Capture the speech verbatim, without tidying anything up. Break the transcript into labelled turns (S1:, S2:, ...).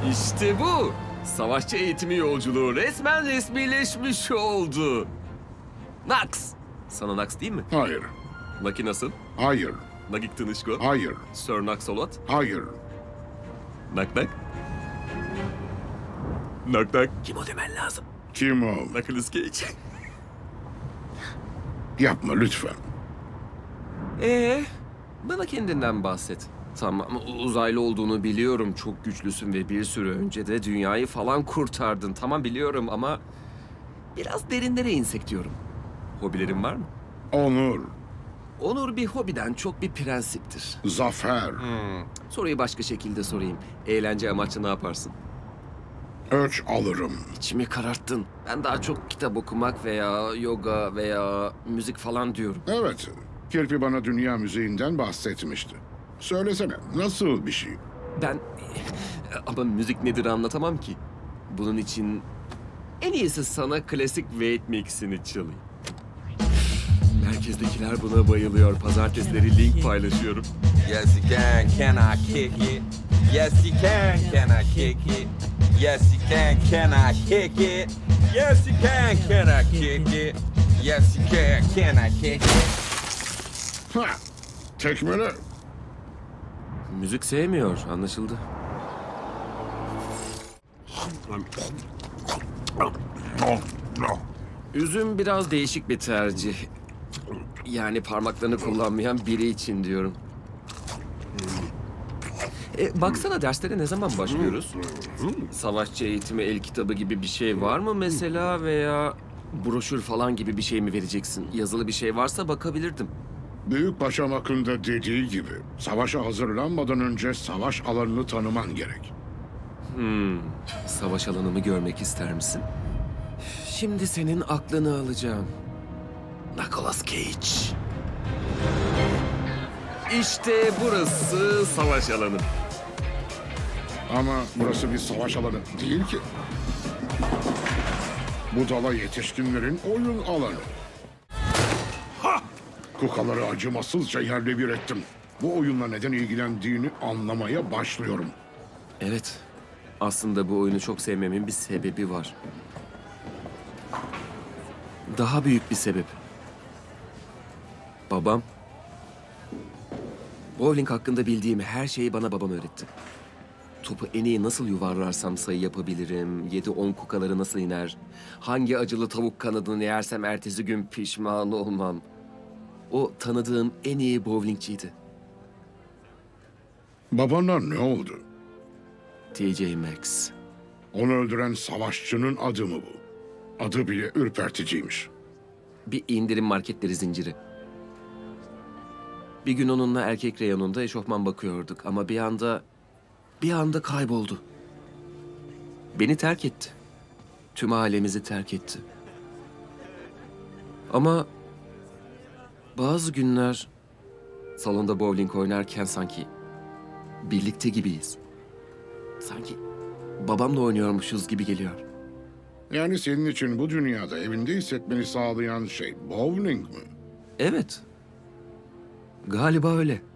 S1: İşte bu. Savaşçı eğitimi yolculuğu resmen resmileşmiş oldu. Nax. Sana Nax değil mi?
S2: Hayır,
S1: Naki nasıl?
S2: hayır,
S1: Nagik Tınışko?
S2: hayır,
S1: Sir Naxolot?
S2: hayır.
S1: Nak nak? Nak nak. Kim o demen lazım?
S2: Kim o?
S1: Knuckles Cage.
S2: Yapma lütfen.
S1: Ee, bana kendinden bahset. Tamam, uzaylı olduğunu biliyorum. Çok güçlüsün ve bir süre önce de dünyayı falan kurtardın. Tamam biliyorum ama biraz derinlere insek diyorum. Hobilerin var mı?
S2: Onur,
S1: Onur bir hobiden çok bir prensiptir.
S2: zafer,
S1: Soruyu başka şekilde sorayım. Eğlence amaçlı ne yaparsın?
S2: ölç alırım.
S1: İçimi kararttın. Ben daha çok kitap okumak veya yoga veya müzik falan diyorum.
S2: Evet, Kirpi bana dünya müziğinden bahsetmişti. Söylesene, nasıl bir şey?
S1: Ben ama müzik nedir anlatamam ki. Bunun için en iyisi sana klasik Wade Mix'ini çalayım. Merkezdekiler buna bayılıyor. Pazartesileri link paylaşıyorum.
S3: Yes, you can. Can I kick it? Yes, you can. Can I kick it? Yes, you can. Can I kick it? Yes, you can. Can I kick it? Yes, you can. Can I kick it?
S2: Ha! Tekmele.
S1: Müzik sevmiyor, anlaşıldı. Üzüm biraz değişik bir tercih. Yani parmaklarını kullanmayan biri için diyorum. E, baksana derslere ne zaman başlıyoruz? Savaşçı eğitimi el kitabı gibi bir şey var mı mesela veya broşür falan gibi bir şey mi vereceksin? Yazılı bir şey varsa bakabilirdim.
S2: Büyük Paşam hakkında dediği gibi, savaşa hazırlanmadan önce savaş alanını tanıman gerek.
S1: Savaş alanımı görmek ister misin? Şimdi senin aklını alacağım. Nicolas Cage. İşte burası savaş alanı.
S2: Ama burası bir savaş alanı değil ki. Bu dala yetişkinlerin oyun alanı. Ha! Kukaları acımasızca yerle bir ettim. Bu oyunla neden ilgilendiğini anlamaya başlıyorum.
S1: Evet. Aslında bu oyunu çok sevmemin bir sebebi var. Daha büyük bir sebep. Babam. Bowling hakkında bildiğim her şeyi bana babam öğretti. Topu en iyi nasıl yuvarlarsam sayı yapabilirim, yedi on kukaları nasıl iner, hangi acılı tavuk kanadını yersem ertesi gün pişman olmam. O tanıdığım en iyi bowlingçiydi.
S2: Babana ne oldu?
S1: T J Maxx.
S2: Onu öldüren savaşçının adı mı bu? Adı bile ürperticiymiş.
S1: Bir indirim marketleri zinciri. Bir gün onunla erkek reyonunda eşofman bakıyorduk ama bir anda... bir anda kayboldu. Beni terk etti. Tüm ailemizi terk etti. Ama bazı günler salonda bowling oynarken sanki birlikte gibiyiz. Sanki babamla oynuyormuşuz gibi geliyor.
S2: Yani senin için bu dünyada evinde hissetmeni sağlayan şey bowling mi?
S1: Evet. Galiba öyle.